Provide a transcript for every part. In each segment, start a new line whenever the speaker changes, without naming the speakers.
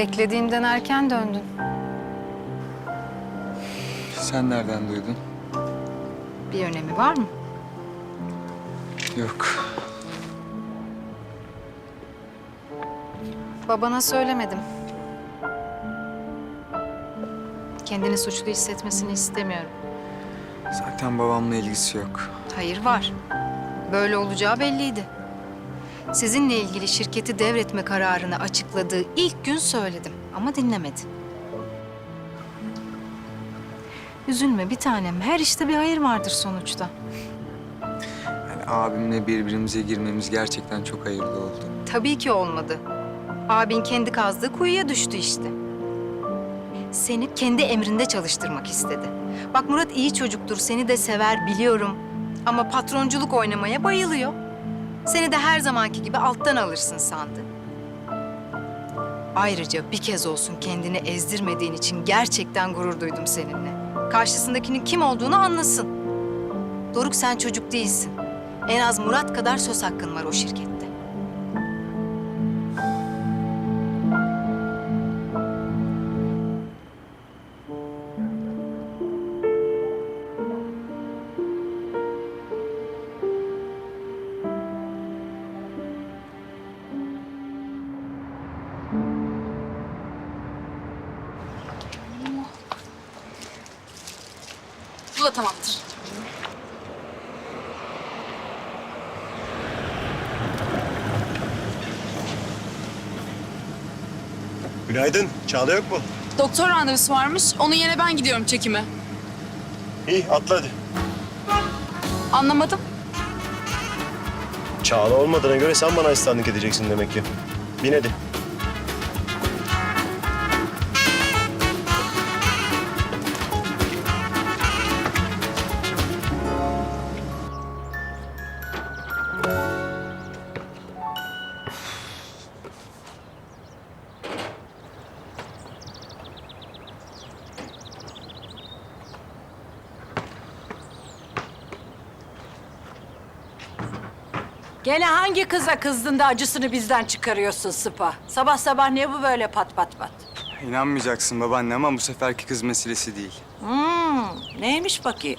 Beklediğimden erken döndün.
Sen nereden duydun?
Bir önemi var mı?
Yok.
Babana söylemedim. Kendini suçlu hissetmesini istemiyorum.
Zaten babamla ilgisi yok.
Hayır var. Böyle olacağı belliydi. Sizinle ilgili şirketi devretme kararını açıkladığı ilk gün söyledim ama dinlemedi. Üzülme bir tanem. Her işte bir hayır vardır sonuçta.
Yani abimle birbirimize girmemiz gerçekten çok hayırlı oldu.
Tabii ki olmadı. Abin kendi kazdığı kuyuya düştü işte. Seni kendi emrinde çalıştırmak istedi. Bak Murat iyi çocuktur, seni de sever biliyorum. Ama patronculuk oynamaya bayılıyor. Seni de her zamanki gibi alttan alırsın sandı. Ayrıca bir kez olsun kendini ezdirmediğin için gerçekten gurur duydum seninle. Karşısındakinin kim olduğunu anlasın. Doruk sen çocuk değilsin. En az Murat kadar söz hakkın var o şirkette.
Bu da tamamdır.
Günaydın. Çağla yok mu?
Doktor randevusu varmış. Onun yerine ben gidiyorum çekime.
İyi atla hadi.
Anlamadım.
Çağla olmadığına göre sen bana asistanlık edeceksin demek ki. Bin hadi.
Gene hangi kıza kızdın da acısını bizden çıkarıyorsun Sıpa? Sabah sabah ne bu böyle pat pat pat?
İnanmayacaksın babaanne ama bu seferki kız meselesi değil.
Neymiş bakayım?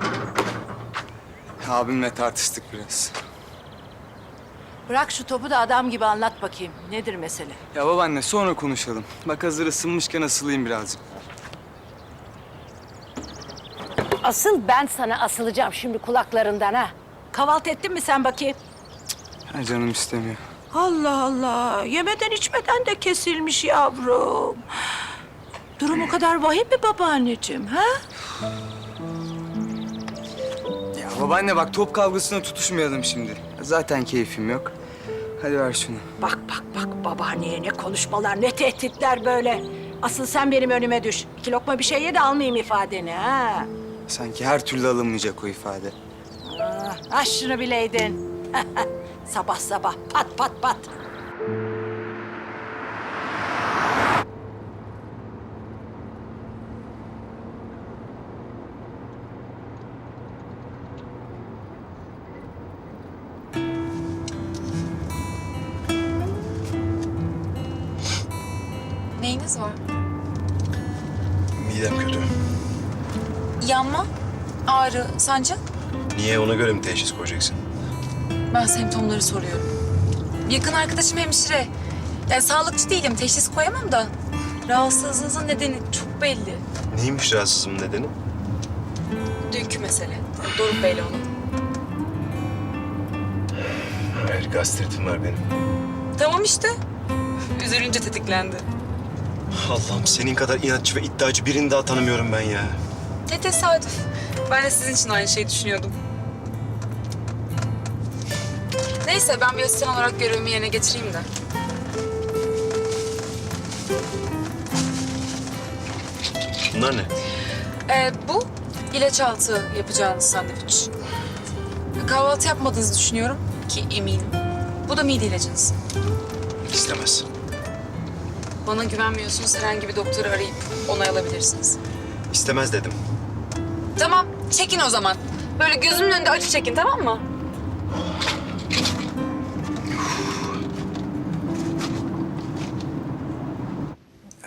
Abimle tartıştık biraz.
Bırak şu topu da adam gibi anlat bakayım. Nedir mesele?
Ya babaanne sonra konuşalım. Bak hazır ısınmışken asılayım birazcık.
Asıl ben sana asılacağım şimdi kulaklarından ha. Kahvaltı ettin mi sen bakayım?
Ha, canım istemiyor.
Allah Allah. Yemeden içmeden de kesilmiş yavrum. Durum o kadar vahim mi babaanneciğim ha?
Ya babaanne bak top kavgasına tutuşmayalım şimdi. Zaten keyfim yok. Hadi ver şunu.
Bak bak bak babaanneye ne konuşmalar ne tehditler böyle. Asıl sen benim önüme düş. 2 lokma bir şey ye de almayayım ifadeni ha.
Sanki her türlü alınmayacak o ifade.
Ah şunu bileydin. Sabah sabah pat pat pat.
Neyiniz var?
Midem kötü.
Yanma, ağrı, sancı.
Niye ona göre mi teşhis koyacaksın?
Ben semptomları soruyorum. Yakın arkadaşım hemşire. Yani sağlıkçı değilim, teşhis koyamam da. Rahatsızlığınızın nedeni çok belli.
Neymiş rahatsızlığımın nedeni?
Dünkü mesele. Doruk Bey'le olan.
Hayır, gastritim var benim.
Tamam işte. Üzülünce tetiklendi.
Allah'ım senin kadar inatçı ve iddiacı birini daha tanımıyorum ben ya.
Ne tesadüf. Ben de sizin için aynı şeyi düşünüyordum. Neyse ben bir asistan olarak görevimi yerine getireyim de.
Bunlar ne?
Bu ilaç altı yapacağınız sandviç. Kahvaltı yapmadığınızı düşünüyorum ki eminim. Bu da mide ilacınız.
İstemez.
Bana güvenmiyorsunuz, herhangi bir doktoru arayıp onay alabilirsiniz.
İstemez dedim.
Tamam, çekin o zaman. Böyle gözümün önünde acı çekin, tamam mı?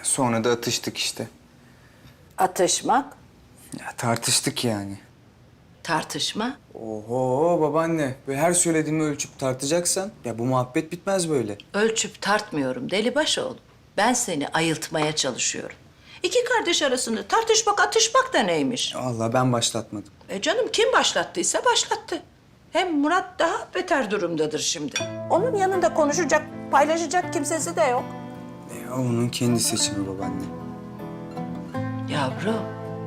Sonra da atıştık işte.
Atışmak,
Ya tartıştık yani.
tartışma.
Oho babaanne. Böyle her söylediğimi ölçüp tartacaksan ya bu muhabbet bitmez böyle.
Ölçüp tartmıyorum Delibaşoğlu. Ben seni ayıltmaya çalışıyorum. İki kardeş arasında tartışmak, atışmak da neymiş?
Allah ben başlatmadım.
Canım kim başlattıysa başlattı. Hem Murat daha beter durumdadır şimdi. Onun yanında konuşacak, paylaşacak kimsesi de yok.
Ya onun kendi seçimi babaanne.
Yavrum.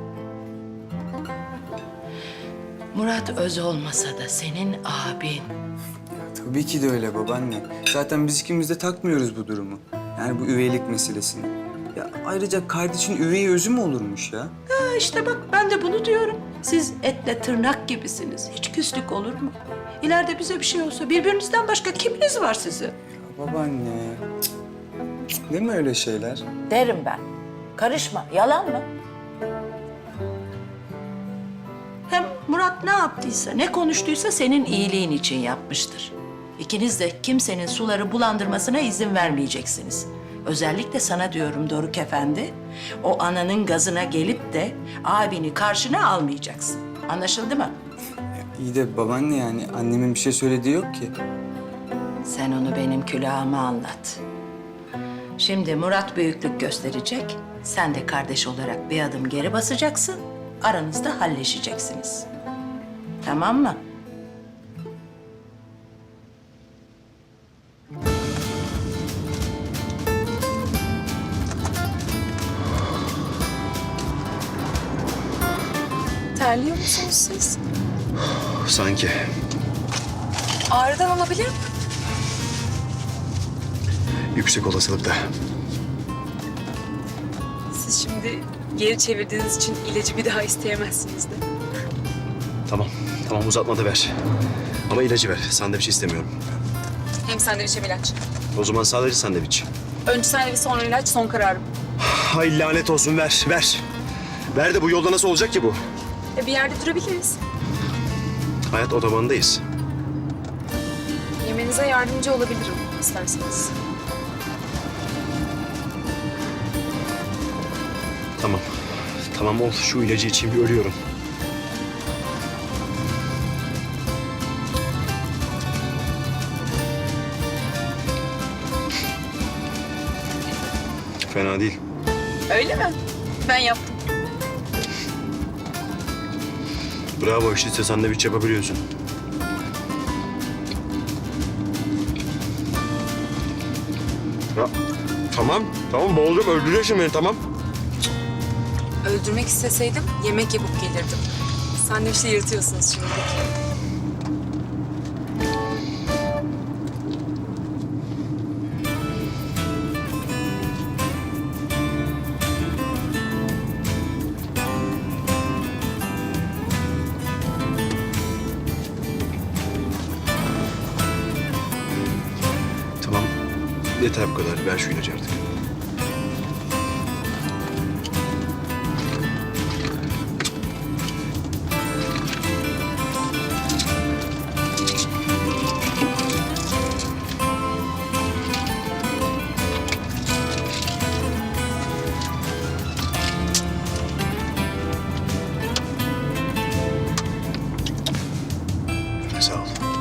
Murat öz olmasa da senin abin.
Ya tabii ki de öyle babaanne. Zaten biz ikimiz de takmıyoruz bu durumu. Yani bu üveylik meselesini. Ya ayrıca kardeşin üvey özü mü olurmuş ya?
Ha işte bak ben de bunu diyorum. Siz etle tırnak gibisiniz. Hiç küslük olur mu? İleride bize bir şey olsa birbirinizden başka kiminiz var sizin?
Ya babaanne. Cık, değil mi öyle şeyler?
Derim ben. Karışma. Yalan mı? Hem Murat ne yaptıysa, ne konuştuysa senin iyiliğin için yapmıştır. İkiniz de kimsenin suları bulandırmasına izin vermeyeceksiniz. Özellikle sana diyorum Doruk Efendi. O ananın gazına gelip de abini karşına almayacaksın. Anlaşıldı mı?
İyi de babaanne yani annemin bir şey söylediği yok ki.
Sen onu benim külahıma anlat. Şimdi Murat büyüklük gösterecek. Sen de kardeş olarak bir adım geri basacaksın. Aranızda halleşeceksiniz. Tamam mı?
Terliyor musunuz siz?
Sanki.
Ağrıdan olabilir mi?
Yüksek olasılıkla.
Siz şimdi geri çevirdiğiniz için ilacı bir daha isteyemezsiniz de.
Tamam. Tamam uzatma da ver. Ama ilacı ver. Sandviç istemiyorum.
Hem sandviç hem ilaç.
O zaman sadece sandviç.
Önce sandviç sonra ilaç son kararım.
Hay lanet olsun ver. Ver. Ver de bu yolda nasıl olacak ki bu?
Bir yerde durabiliriz.
Hayat otobanındayız.
Yemenize yardımcı olabilirim isterseniz.
Tamam. Tamam ol. Şu ilacı içeyim bir ölüyorum. Fena değil.
Öyle mi? Ben yaptım.
Bravo işte sandviç yapabiliyorsun. Ya, tamam. Tamam boğulacağım. Öldüreceksin beni tamam.
Öldürmek isteseydim yemek yapıp gelirdim. Sandviçte yırtıyorsunuz şimdi.
Tamam. Yeter bu kadar. Ver şu ilacı artık. Sağ ol.